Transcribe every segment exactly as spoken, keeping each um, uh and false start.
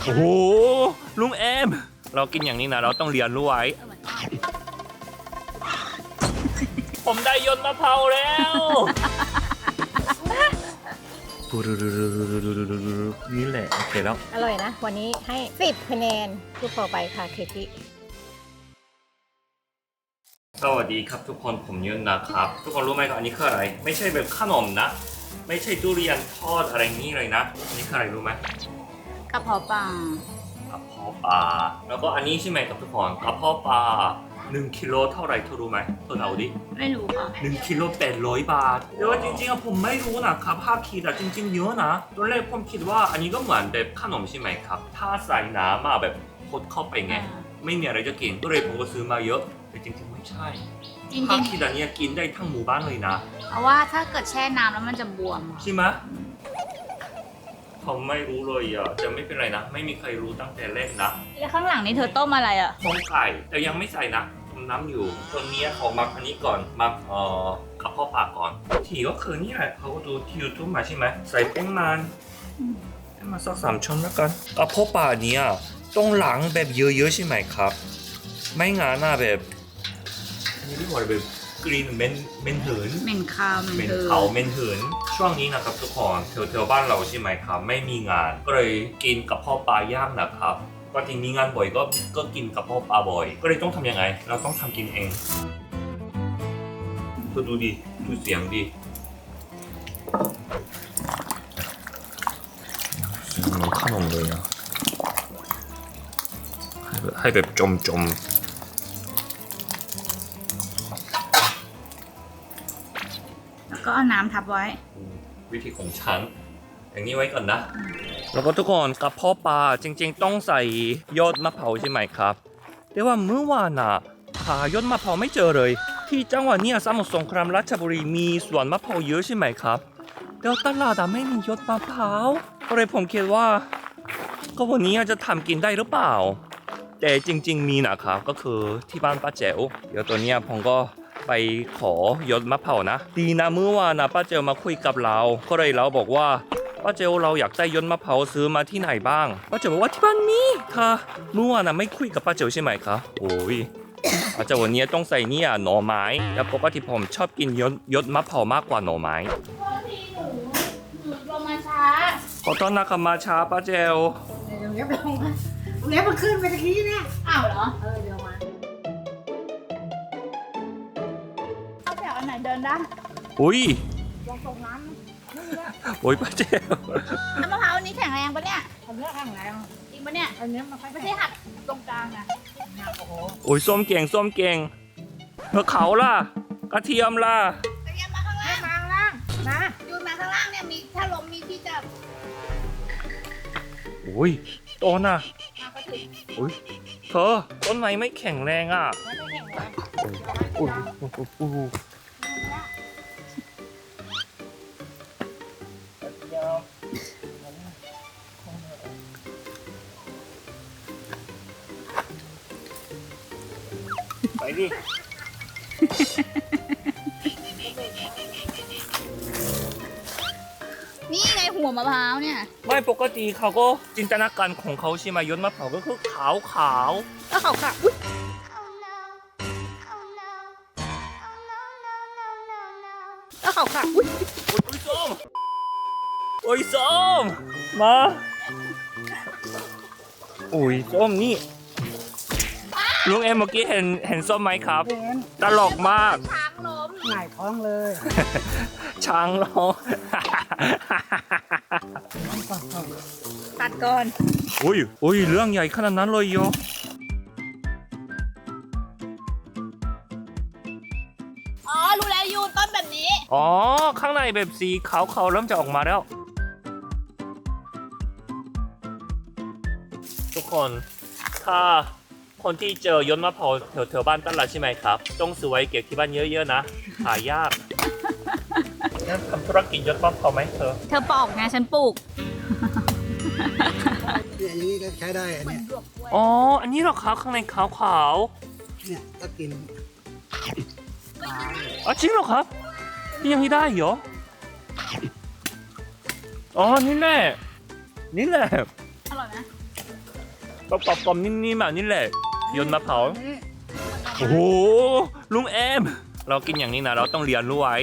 โอ้โหลุงเอมเรากินอย่างนี้นะเราต้องเรียนรู้ไว้ผมได้ยนต์มะพร้าวแล้วนี่แหละโอเคแล้วอร่อยนะวันนี้ให้สิบคะแนนทุกต่อไปค่ะเคที่สวัสดีครับทุกคนผมยนต์นะครับทุกคนรู้ไหมครับอันนี้คืออะไรไม่ใช่แบบขนมนะไม่ใช่ทุเรียนทอดอะไรนี้เลยนะอันนี้คืออะไรรู้ไหมกระเพาะปลากระเพาะปลาแล้วก็อันนี้ใช่ไหมครับทุกคนกระเพาะปลาหนึ่งกิโลเท่าไหร่เธอรู้ไหมเธอเอาดิไม่รู้ค่ะหนึ่งกิโลแปดร้อยบาทแต่ว่าจริงๆอะผมไม่รู้นะครับภาพคิดอะจริงๆเยอะนะตอนแรกผมคิดว่าอันนี้ก็เหมือนแบบขนมใช่ไหมครับถ้าใส่น้ำมาแบบพดเข้าไปไงไม่มีอะไรจะกินก็เลยผมก็ซื้อมาเยอะแต่จริงๆไม่ใช่จริงภาพคิดอันนี้กินได้ทั้งหมู่บ้านเลยนะเพราะว่าถ้าเกิดแช่น้ำแล้วมันจะบวมใช่ไหมผมไม่รู้เลยอ่ะจะไม่เป็นไรนะไม่มีใครรู้ตั้งแต่แรกนะแล้วข้างหลังนี่เธอต้มอะไรอ่ะต้มไก่แต่ยังไม่ใส่นะต้มน้ำอยู่ตัวนี้เขามักอันนี้ก่อนมักเอ่อกระเพาะปลาก่อนทีก็คือนี่แหละเขาดูที่ยูทูบมาใช่ไหมใส่แป้งมันแป้งมันสักสามช้อนแล้วกันกระเพาะปลาเนี้ยต้องล้างแบบเยอะๆใช่ไหมครับไม่งั้นน่ะแบบนี่เรียกว่าแบบกลิ่นเหม็นเหม็นหืนเหม็นคาวเหม็นเขาเหม็นหืนช่วงนี้นะครับทุกคนแถวๆบ้านเราใช่ไหมครับไม่มีงานก็เลยกินกระเพาะปลาย่างนะครับก็จริงมีงานบ่อยก็ก็กินกระเพาะปลาบ่อยก็เลยต้องทำยังไงเราต้องทำกินเองก็ดูดิดูเสียงดิเสียงเหมือนขนมเลยนะให้แบบจมจมแล้วก็เอาน้ำทับไว้วิธีของฉันอย่างนี้ไว้ก่อนนะแล้วก็ทุกคนกระเพาะปลาจริงๆต้องใส่ยอดมะพร้าวใช่ไหมครับแต่ว่าเมื่อวานน่ะหายอดมะพร้าวไม่เจอเลยที่จังหวัดนี้สมุทรสงครามราชบุรีมีสวนมะพร้าวเยอะใช่ไหมครับแต่ตลาดไม่มียอดมะพร้าวก็เลยผมคิดว่าก็วันนี้จะทำกินได้หรือเปล่าแต่จริงๆมีนะครับก็คือที่บ้านป้าแจ๋วเดี๋ยวตัวเนี้ยผมก็ไปขอยอดมะพร้าวนะดีนะเมื่อวานนะป้าเจลมาคุยกับเราก็เลยเราบอกว่าป้าเจลเราอยากได้ยอดมะพร้าวซื้อมาที่ไหนบ้างป้าเจลบอกว่าที่บ้านมีค่ะเมื่อวานนะไม่คุยกับป้าเจลใช่ไหมคะโอ้ยอาจจะวันนี้ต้องใส่เนี่ยหน่อไม้แล้วปกติผมชอบกินยอดยอดมะพร้าวมากกว่าหน่อไม้พอดีหนูหนูลงมาช้าขอโทษนะครับมาช้าป้าเจลเดี๋ยวเล็บลงมาเล็บมันขึ้นไปตะกี้เนี่ยอ้าวเหรอเออเดี๋ยวมาเอาแถวอันไหนเดินได้อุ้ยลองส่งน้ำโอ้ยป้าเจลน้ำมะพร้าวอันนี้แข็งแรงปะเนี่ยอันนี้แข็งแรงจริงปะเนี่ยอันนี้มันไม่ใช่หักตรงกลางนะโอ้โหโอ้ยส้มเก่งส้มเก่งเมื่อเขาล่ะกระเทียมล่ะกระเทียมมาข้างล่างมาข้างล่างนะยูนมาข้างล่างเนี่ยมีถ้าลมมีที่จับโอ้ยต้นอ่ะโอ้ยเธอต้นไม้ไม่แข็งแรงอ่ะไม่ได้แข็งแรงโอ้ยโอ้ยโอ้ยไปดินี่ไงหัวมะพร้าวเนี่ยไม่ปกติเขาก็จินตนาการของเขาใช่ไหมยอดมะพร้าวก็คือขาวขาวก็ขาวขาวอุ้ยก็ขาวขาวอุ้ยโอ้ยส้มโอ้ยส้มมาโอ้ยส้มนี่ลุงเอ็มเมื่อกี้เห็นเห็นส้มไหมครับตลกมากช้างล้มหงายท้องเลยช้างล้มตัดก่อนอุ้ยอุ้ยเรื่องใหญ่ขนาดนั้นเลยโยอ๋อรู้แล้วยูนต้นแบบนี้อ๋อข้างในแบบสีขาวๆเริ่มจะออกมาแล้วทุกคนถ้าคนที่เจอยอดมะพร้าวแถวๆบ้านตลาดใช่ไหมครับต้องซื้อไว้เก็บที่บ้านเยอะๆนะหายากงั้นทำธุรกิจยอดมะพร้าวไหมเธอเธอปอกไงฉันปลูกเนี่ยอย่างนี้ก็ใช้ได้อันนี้อ๋ออันนี้เหรอครับข้างในขาวๆเนี่ยก็กินอ๋อจริงเหรอครับนี่ยังไม่ได้เหรออ๋อนี่แหละนี่แหละอร่อยไหมก็กรอบๆนิ่มๆแบบนี้แหละยนต์มะพร้าวโอ้โหลุงเอมเรากินอย่างนี้นะเราต้องเรียนรู้ไว้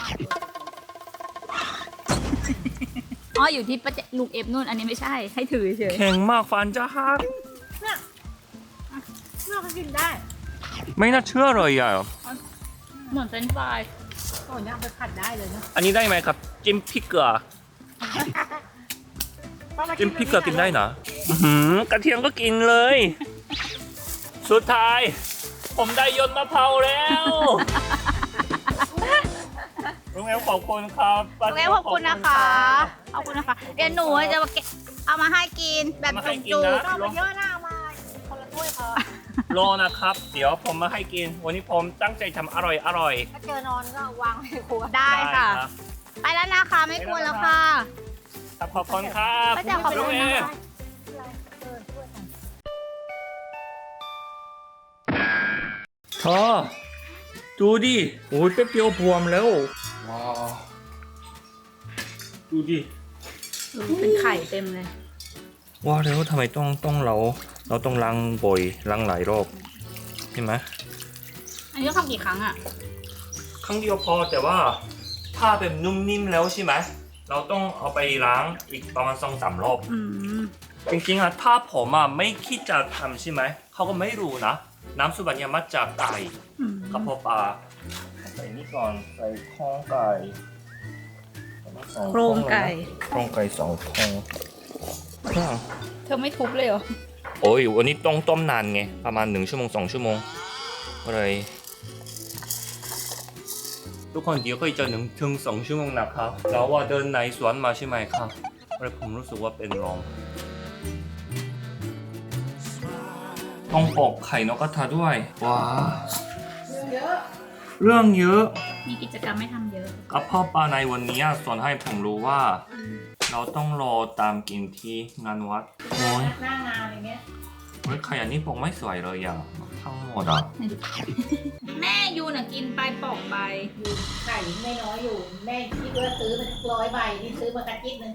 อ๋ออยู่ที่ประเจลูกเอฟนู่นอันนี้ไม่ใช่ให้ถือเฉยแข็งมากฟันจะหักเราก็กินได้ไม่น่าเชื่อเลยอ่ะเหมือนเฟรนช์ฟรายก่อนย่างไปผัดได้เลยนะอันนี้ได้ไหมครับจิ้มพริกเกลือจิ้มพริกเกลือกินได้นะอื้อหือกระเทียมก็กินเลย สุดท้าย ผมได้ยนต์มะพร้าวแล้วลุงเอมขอบคุณครับลุงเอฟขอบคุณนะคะขอบคุณนะคะเดี๋ยวหนูจะมาเก็บเอามาให้กินแบบมาให้กินจุกนะก็มาเยอะหน้ามาคนละถ้วยพอรอนะครับ เดี๋ยวผมมาให้กิน วันนี้ผมตั้งใจทำอร่อยอร่อยถ้าเจอนอนก็วางไว้ในครัวๆได้ค่ะรับไปแล้วนะคะไม่กลัวแล้วค่ะครับขอบคุณครับป้าแจ๋วขอบคุณลุงเอนะมคะเออถ้วยของเธอดูดิโอ้ยแป๊บเดียวบวมแล้ว ว้าว ดูดิเป็นไข่เต็มเลยว่าแล้วทำไมต้องต้องเรา เราต้องล้างบ่อยล้างหลายรอบใช่ไหมอันนี้ต้องทำกี่ครั้งอ่ะครั้งเดียวพอแต่ว่าถ้าแบบนุ่มนิ่มแล้วใช่ไหมเราต้องเอาไปล้างอีกประมาณสองสามรอบอืมจริงๆอะถ้าผมอะไม่คิดจะทำใช่ไหมเขาก็ไม่รู้นะ น้ำซุปอันเนี้ยมาจากไก่อืมกระเพาะปลาใส่นี่ก่อนใส่โครงไก่สอโครงไก่โครงไก่สองโครงอ่ะเธอไม่ทุบเลยเหรอโอ้ยวันนี้ต้องต้มนานไงประมาณหนึ่งชั่วโมงสองชั่วโมงก็เลยทุกคนเดี๋ยวก็จะหนึ่งถึงสองชั่วโมงนะครับเราว่าเดินในสวนมาใช่ไหมครับก็เลยผมรู้สึกว่าเป็นลมต้องปอกไข่นกกระทาด้วยว้าเยอะเรื่องเยอะมีกิจกรรมไม่ทำเยอะกระเพาะปลาในวันนี้สอนให้ผมรู้ว่า เราต้องรอตามกินที่งานวัดโอ้ยหน้างานอย่างเงี้ยเฮ้ยไข่อันนี้ปอกไม่สวยเลยอ่ะทั้งหมดอ่ะแม่ยูน่ะกินไปปอกไปอยู่ไข่ไม่น้อยอยู่ แม่คิดว่าซื้อมาร้อยใบนี่ซื้อมากระจิ๊บนึง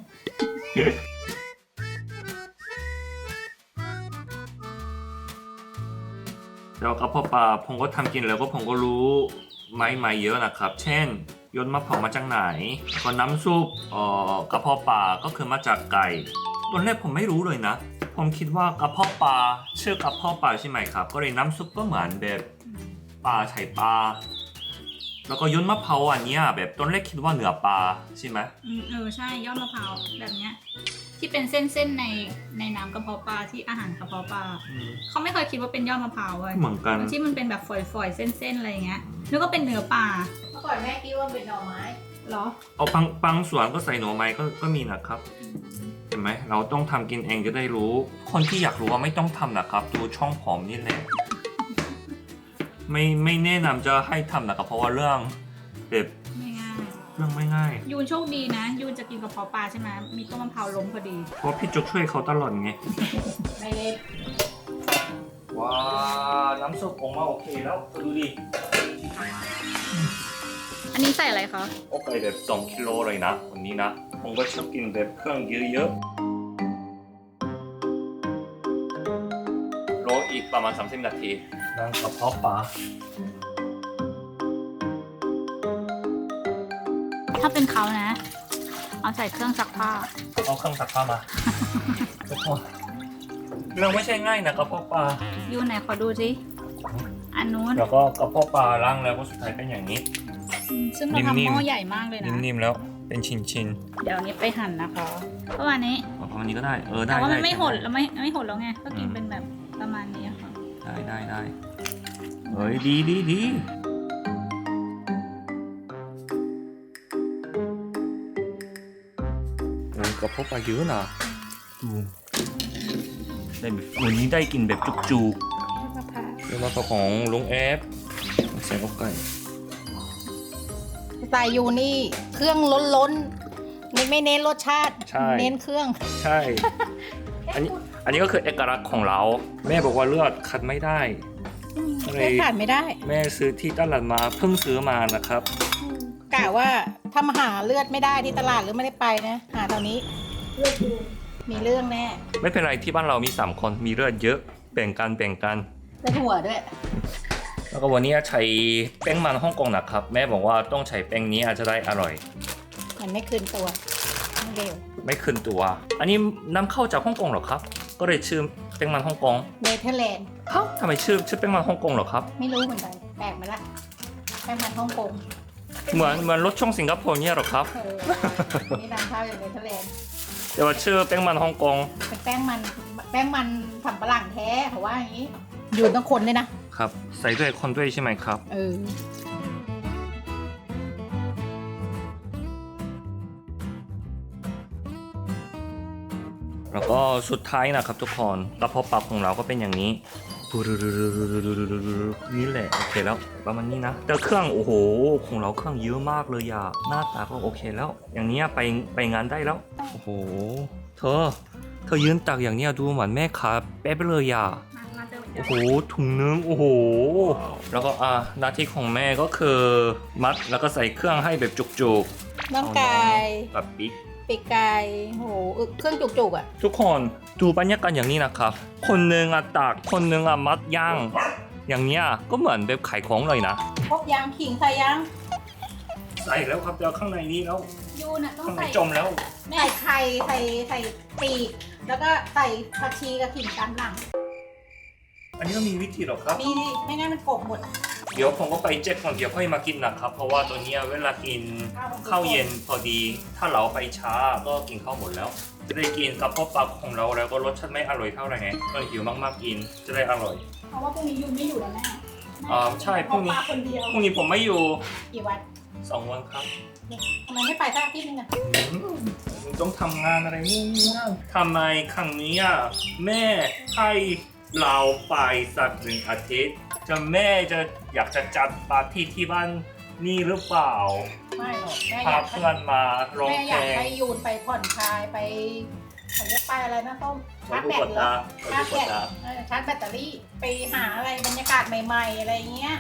แล้วกระเพาะปลาผมก็ทำกินแล้วก็ผมก็รู้ไม้ไม้เยอะนะครับ เช่นยนต์มะพร้าวมาจากไหนก็น้ำซุปเอ่อกระเพาะปลาก็คือมาจากไก่ตอนแรกผมไม่รู้เลยนะ ผมคิดว่ากระเพาะปลาชื่อกระเพาะปลาใช่ไหมครับ ก็เลยน้ำซุปก็เหมือนแบบปลาไข่ปลาแล้วก็ยนต์มะพร้าวอันเนี้ยแบบตอนแรกคิดว่าเนื้อปลาใช่ไหมอืมเออใช่ยอดมะพร้าวแบบเนี้ยที่เป็นเส้นๆในในน้ำกระเพาะปลาที่อาหารกระเพาะปลาอืมเขาไม่เคยคิดว่าเป็นยอดมะพร้าวเลยเหมือนกันที่มันเป็นแบบฝอยๆเส้นๆอะไรอย่างเงี้ยนึกว่าเป็นเนื้อปลาเมื่อก่อนแม่คิดว่าเป็นหน่อไม้เหรอเอาบางบางส่วนก็ใส่หน่อไม้ก็ก็มีนะครับ เห็นไหมเราต้องทำกินเองจะได้รู้ คนที่อยากรู้ว่าไม่ต้องทำนะครับ ดูช่องผมนี่แหละ ไม่ไม่แนะนำจะให้ทำนะครับ เพราะว่าเรื่องแบบไม่ง่ายเรื่องไม่ง่ายยูนโชคดีนะ ยูนจะกินกระเพาะปลาใช่ไหมมีต้นมะพร้าวล้มพอดีเพราะพี่จุกช่วยเขาตลอดไงไม่เล็กว้าน้ำซุปออกมาโอเคแล้วดูดิอันนี้ใส่อะไรคะโอเคแบบสองกิโลเลยนะวันนี้นะผมก็ชอบกินแบบเครื่องเยอะๆรออีกประมาณสามสิบนาทีนั่งกระเพาะปลาถ้าเป็นเขานะ เอาใส่เครื่องซักผ้าเอาเครื่องซักผ้ามา ทุกคนเรื่องไม่ใช่ง่ายนะกระเพาะปลายูไหนขอดูสิอันนู้นแล้วก็กระเพาะปลาล้างแล้วก็สุดท้ายเป็นอย่างนี้อืมซึ่งเราทำนิ่หมๆม้อใหญ่มากเลยนะนิ่มๆแล้วเป็นชิ้นเดี๋ยวอันนี้ไปหั่นนะคะประมาณนี้ๆประมาณนี้ก็ได้เออได้แต่ว่ามันด้ไม่หดใช่แล้วไม่ไม่หดแล้วไง ก็กินอืมเป็นแบบประมาณนี้ค่ะได้ได้ได้เฮ้ยดีดีดีโอ้ยกระเพาะปลาเยอะนะดูได้แบบวันนี้ได้กินแบบจุกๆมะพร้าวเรื่องมาของลุงแอฟใส่อกไก่สไตล์ยูนี่เครื่องล้นล้นๆไม่ไม่เน้นรสชาติใช่เน้นเครื่องใช่ อันนี้อันนี้ก็คือเอกลักษณ์ของเรา แม่บอกว่าเลือดคัดไม่ได้ อะไรแค่ขาดไม่ได้แม่ซื้อที่ตลาดมาเพิ่งซื้อมานะครับกะว่าถ้ามาหาเลือดไม่ได้ที่ตลาดหรือไม่ได้ไปนะ หาตอนนี้มีเรื่องแน่ไม่เป็นไรที่บ้านเรามีสามคนมีเลือดเยอะแบ่งกันแบ่งกันได้หัวด้วยแล้วก็วันนี้ใช้แป้งมันฮ่องกงนะครับแม่บอกว่าต้องใช้แป้งนี้อาจจะได้อร่อยมันไม่คืนตัวไม่เร็วไม่คืนตัว อันนี้นำเข้าจากฮ่องกงเหรอครับ ก็เลยชื่อแป้งมันฮ่องกงเนเธอร์แลนด์เอ้าทำไมชื่อชื่อแป้งมันฮ่องกงเหรอครับไม่รู้เหมือนกันแปลกมาละแป้งมันฮ่องกงเหมือนเหมือนรถช่องสิงคโปร์เนี่ยเหรอครับเออนี่นำเข้าจากเนเธอร์แลนด์แต่ว่าชื่อแป้งมันฮ่องกงเป็นแป้งมันแป้งมันสำปะหลังแท้เขาว่าอย่างนี้ อยู่ต้องคนเลยนะครับใส่ด้วยคนด้วยใช่ไหมครับเออแล้วก็สุดท้ายนะครับทุกคนกระเพาะปลาของเราก็เป็นอย่างนี้นี่แหละโอเคแล้วประมาณนี้นะแต่เครื่องโอ้โหของเราเครื่องเยอะมากเลยอะหน้าตาก็โอเคแล้ว อย่างนี้ไปไปงานได้แล้วโอ้โหเธอเธอยืนตักอย่างเนี้ยดูเหมือนแม่ค้าแป๊บเลยอะมามาเจอเจโอ้อโหถุงนึงโอ้โหแล้วก็อ่ะหน้าที่ของแม่ก็คือมัดแล้วก็ใส่เครื่องให้แบบจุกๆน้องไก่กับปิ๊กปีกไก่โหอึเครื่องจุกๆอ่ะทุกคนดูบรรยากาศอย่างนี้นะครับ คนหนึ่งอะตากคนหนึ่งอะมัดย่าง อย่างเนี้ยก็เหมือนแบบขายของเลยนะพกยางขิงใส่ยางใส่แล้วครับเดี๋ยวข้างในนี้แล้วยูน่ะต้องข้างในใส่จมแล้วใส่ไข่ใส่ใส่ปีก แล้วก็ใส่ผักชีกับขิงตามหลังอันนี้ก็มีวิธีหรอครับมีดิไม่งั้นมันกบหมดเดี๋ยวผมก็ไปเจ็คก่อนเดี๋ยวค่อยมากินนะครับ เพราะว่าตัวเนี้ยเวลากินข้าวเย็นพอดี ถ้าเราไปช้าก็กินข้าวหมดแล้ว จะได้กินกับพวกปลาของเราแล้วก็รสชาติไม่อร่อยเท่าไหร่ไงก็หิวมากๆกินจะได้อร่อยเพราะว่าพรุ่งนี้ยูไม่อยู่แล้วแม่อ่าใช่พรุ่งนี้ปลาคนเดียวพรุ่งนี้ผมไม่อยู่กี่วันสองวันครับทำไมไม่ไปสักอาทิตย์นึงอ่ะต้องทำงานอะไรนู่นนี่นั่นทำไมครั้งนี้อ่ะแม่ให้เราไปสักหนึ่งอาทิตย์ จะแม่จะอยากจะจัดปาร์ตี้ที่บ้านนี่หรือเปล่าไม่หรอกแม่อากพายเพื่อนมาร้องแม่อเพลยากงไปยูนไปผ่อนคลายไปเขาเรียกไปอะไรนะต้มชาร์จแบตเหรอไปชาร์จดูแบกตดตาเออชาร์จแบตเตอรี่ไปหาอะไรบรรยากาศใหม่ๆอะไรเงี้ย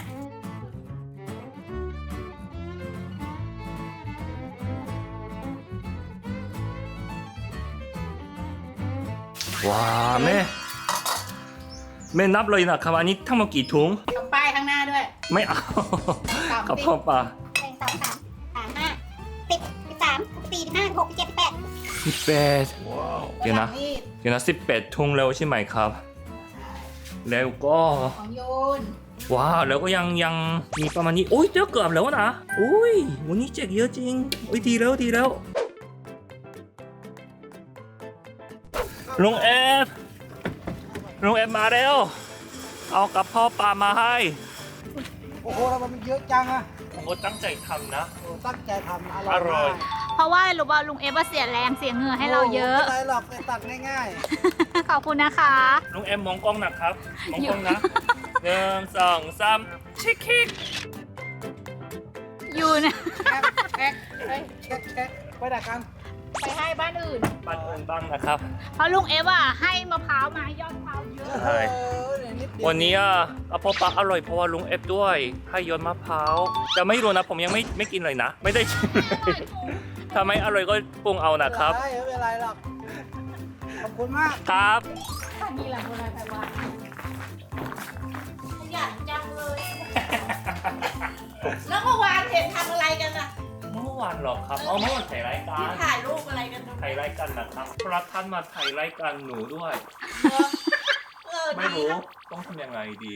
ว้าแม่แม่นับเลยนะครับอันนี้ทั้งหมดกี่ถุงทำป้ายข้างหน้าด้วยไม่เอาสามกระสิบเพาะปลาหนึ่งสองสามสามห้าสิบสิบสามสี่สิบห้าหกสิบเจ็ดสิบแปดสิบแปดเดี๋ยวนะเดี๋ยวนะสิบแปดถุงแล้วใช่ไหมครับ แล้วก็ของโยนว้าวแล้วก็ยังยังมีประมาณนี้โอ้ยเดี๋ยวเกือบแล้วนะโอ้ยวันนี้แจกเยอะจริงโอ้ยดีแล้วดีแล้วลุงเอฟลุงเอฟมาแล้ว เอากระเพาะปลามาให้โอ้โหแล้วมันเยอะจังอะผมก็ตั้งใจทำนะโอ้ตั้งใจทำออร่ร่ออย ยเพราะว่ารู้ว่าลุงเอฟว่าเสียแรงเสียเหงื่อให้เราเยอะไม่เป็นไรหรอกไปตัดง่ายขอบคุณนะคะลุงเอฟมองกล้องนะครับมองกล้องนะหนึ่งสองสามชิคคิกยูนะๆแอ๊กแอ๊กเอ้ยแอ๊กแอ๊กไปดักกันไปให้บ้านอื่นปันอื่นบ้างนะครับเพราะลุงเอฟอ่ะให้มะพร้าวมายอดมะพร้าวเยอะใช่เออเดี๋ยวนิดเดียววันนี้อ่ะกระเพาะปลาอร่อยเพราะว่าลุงเอฟด้วยให้ยนมะพร้าวแต่ไม่รู้นะผมยังไม่ไม่กินเลยนะ ไม่ได้ชิมเลยถ้าไม่อร่อยก็ปรุงเอานะครับไม่เป็นไรหรอกขอบคุณมากครับถ้ามีหลังโบราณไปว่าขยันจังเลย แล้วเมื่อวานเห็นทำอะไรกันอะเมื่อวานหรอครับเอาเมื่อวานถ่ายรายการถ่ายรูปอะไรกันนะถ่ายรายการนะครับพระท่านมาถ่ายรายการหนูด้วยเออไม่ดีรู้นะต้องทำยังไงดี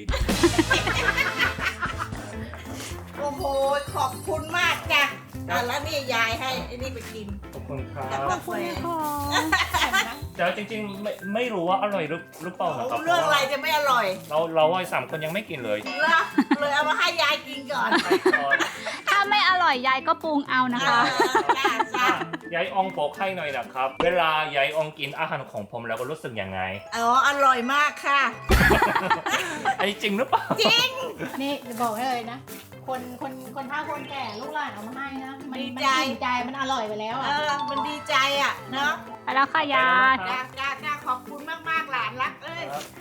โอ้โห ขอบคุณมากจ้ะอ่ะแล้วนี่ยายให้ไอ้นี่ไปกินขอบคุณครักับบกาแฟแต่จริงๆไม่ไม่รู้ว่าอร่อยหรือหรือเปล่านะครับเรื่องอะไรจะไม่อร่อยเราเราว่าสามคนยังไม่กินเลยเหรอเลยเอามาให้ยายกินก่อนถ้าไม่อร่อยยายก็ปรุงเอานะคะจ้าจ้ายายอองบอกให้หน่อยนะครับ เวลายายอองกินอาหารของผมแล้วก็รู้สึกยังไงอ๋ออร่อยมากค่ะอันนี้จริงหรือเปล่าจริง นี่จะบอกให้เลยนะ คนคนคนเฒ่าคนแก่ลูกหลานเอามาให้นะมันดีมันใจอิ่มใจมันอร่อยไปแล้วเออ่ะอ มันดีใจอ่ะ เนาะไปแล้วค่ะยายจ้าจ้าจ้าขอบคุณมาก ๆ หลานรักเอ้ยครับ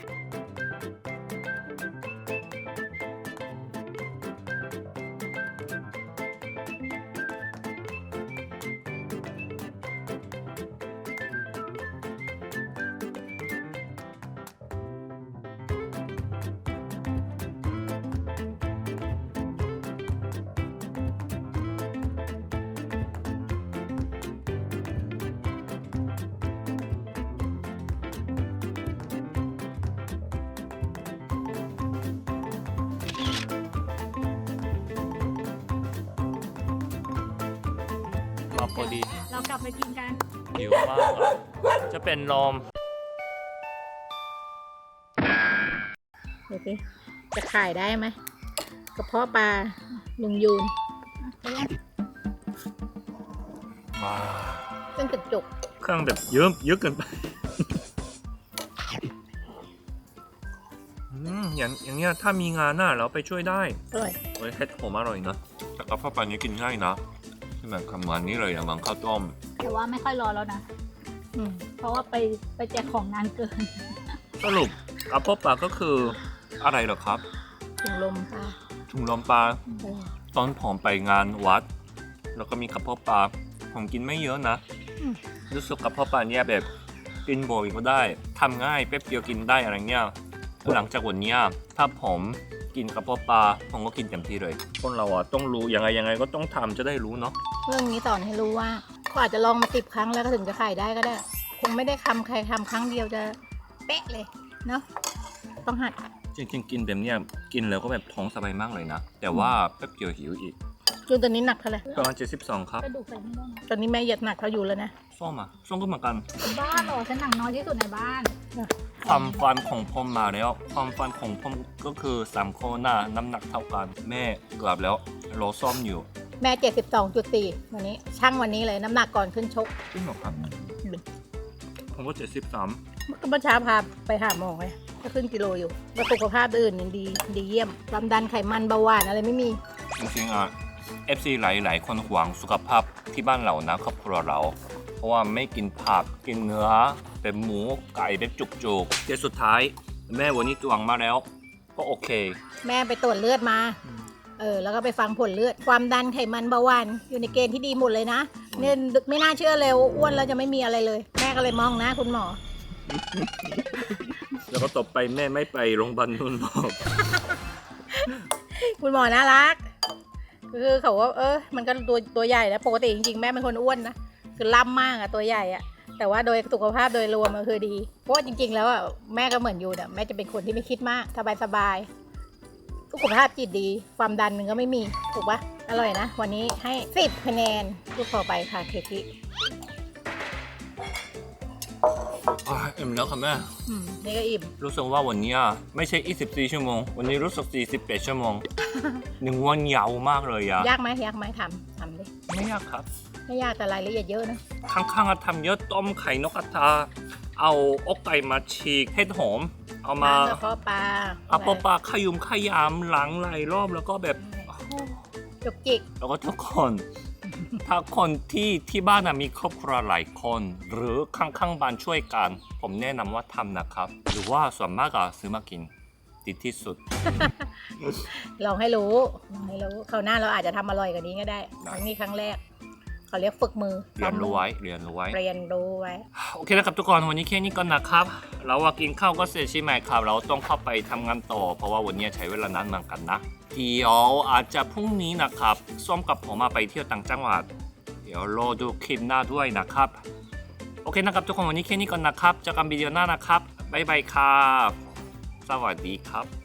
พอดีเรากลับไปกินกันหิวมากอะจะเป็นลมดูสิจะขายได้ไหมกระเพาะปลาลุงยูนอ่าเส้นจุกจุกเครื่องแบบเยอะเยอะเกินไปอืมอย่างอย่างเงี้ยถ้ามีงานน่ะเราไปช่วยได้อร่อยเฮ้ยเห็ดผมอร่อยนะแต่กระเพาะปลานี้กินง่ายนะใช่ไหมคำวันนี้เลยอะมังข้าวต้มแต่ว่าไม่ค่อยรอแล้วนะอืมเพราะว่าไปไปแจกของนานเกินสรุปกระเพาะปลาก็คืออะไรเหรอครับถุงลมค่ะถุงลมปลาเออตอนผมไปงานวัด แล้วก็มีกระเพาะปลาผมกินไม่เยอะนะอืมรู้สึกกระเพาะปลาเนี่ยแบบกินบ่อยก็ได้ทำง่ายแป๊บเดียวกินได้อะไรเงี้ยหลังจากวันเนี้ยถ้าผมกินกระเพาะปลาผมก็กินเต็มที่เลยคนเราอ่ะต้องรู้ยังไงยังไงก็ต้องทำจะได้รู้เนาะเรื่องนี้สอนให้รู้ว่าเขาอาจจะลองมาสิบครั้งแล้วก็ถึงจะขายได้ก็ได้ คงไม่ได้ทำใครทำครั้งเดียวจะเป๊ะเลยเนาะต้องหัดจริงๆกินแบบเนี้ยกินแล้วก็แบบท้องสบายมากเลยนะ แต่ว่าแป๊บเดียวหิวอีกจูนตอนนี้หนักเท่าไหร่ประมาณเจ็ดสิบสองครับกระดูกใส่ไม่ได้ตอนนี้แม่เหยียดหนักเขาอยู่แล้วนะส้มอ่ะส้มก็เหมือนกันบ้านเหรอฉันหนักน้อยที่สุดในบ้านความฟันของผมมาแล้ว ความฟันของผมก็คือสามโคหน้าน้ำหนักเท่ากัน แม่กลับแล้วรอซ่อมอยู่แม่เจ็ดสิบสองจุดสี่วันนี้ช่างวันนี้เลยน้ำหนักก่อนขึ้นชกจริงเหรอครับ ผมก็เจ็ดสิบสามเมื่อเช้าพาไปหาหมอไงก็ขึ้นกิโลอยู่แล้วสุขภาพอื่นยังดีดีเยี่ยมความดันไขมันเบาหวานอะไรไม่มีจริงๆอ่ะ เอฟ ซี หลายๆ คนห่วงสุขภาพที่บ้านเรานะครอบครัวเรา เพราะว่าไม่กินผักกินเนื้อเป็นหมูไก่เป็นจุกๆแต่สุดท้ายแม่วันนี้ตวงมาแล้ว ก็โอเคแม่ไปตรวจเลือดมา เออ แล้วก็ไปฟังผลเลือด ความดันไขมันเบาหวานอยู่ในเกณฑ์ที่ดีหมดเลยนะเนี่ยไม่น่าเชื่อเลยว่าอ้วนแล้วจะไม่มีอะไรเลย แม่ก็เลยมองนะคุณหมอแล้วก็ตบไปแม่ไม่ไปโรงพยาบาลนุ่นบอกคุณหมอน่ารัก คือเขาว่าเออ มันก็ตัวตัวใหญ่นะ ปกติจริงๆ แม่เป็นคนอ้วนนะ คือล่ำมากอะตัวใหญ่อะแต่ว่าโดยสุขภาพโดยรวมมันคือดี เพราะว่าจริงๆ แล้วอะแม่ก็เหมือนอยู่เนี่ยแม่จะเป็นคนที่ไม่คิดมาก สบายๆ สุขภาพจิตดี ความดันมันก็ไม่มี ถูกปะอร่อยนะ วันนี้ให้สิบคะแนนพูดต่อไปค่ะเคที่อ่ะเอ็มแล้วค่ะแม่อืมนี่ก็อิ่มรู้สึกว่าวันนี้ไม่ใช่ยี่สิบสี่ชั่วโมง วันนี้รู้สึกสี่สิบแปดชั่วโมง หนึ่งวันยาวมากเลยอะยากไหมยากไหมทำทำดิไม่ยากครับไม่ยากแต่รายละเอียดเยอะนะข้างๆอะทำเยอะต้มไข่นกกระทา เอาอกไก่มาฉีกเห็ดหอม เอามากระเพาะปลาเอาปลาปลาขยุมขยำหลังหลายรอบแล้วก็แบบจุกจิกแล้วก็ทุกคน ถ้าคนที่ที่บ้านอะมีครอบครัวหลายคน หรือข้างๆบ้านช่วยกัน ผมแนะนำว่าทำนะครับ หรือว่าส่วนมากอะซื้อมากินดีที่สุดลองให้รู้ลองให้รู้คราวหน้าเราอาจจะทำอร่อยกว่านี้ก็ได้ครั้งนี้ครั้งแรกเขาเรียกฝึกมือเรียนรู้ไว้เรียนรู้ไว้เรียนรู้ไว้โอเคนะครับทุกคนวันนี้แค่นี้ก่อนนะครับ เราว่ากินข้าวก็เสร็จใช่ไหมครับ เราต้องเข้าไปทำงานต่อ เพราะว่าวันนี้ใช้เวลานานเหมือนกันนะเดี๋ยวอาจจะพรุ่งนี้นะครับส้มกับผมมาไปเที่ยวต่างจังหวัด เดี๋ยวรอดูคลิปหน้าด้วยนะครับ โอเคนะครับทุกคนวันนี้แค่นี้ก่อนนะครับเจอกันวิดีโอหน้านะครับบ๊ายบายครับสวัสดีครับ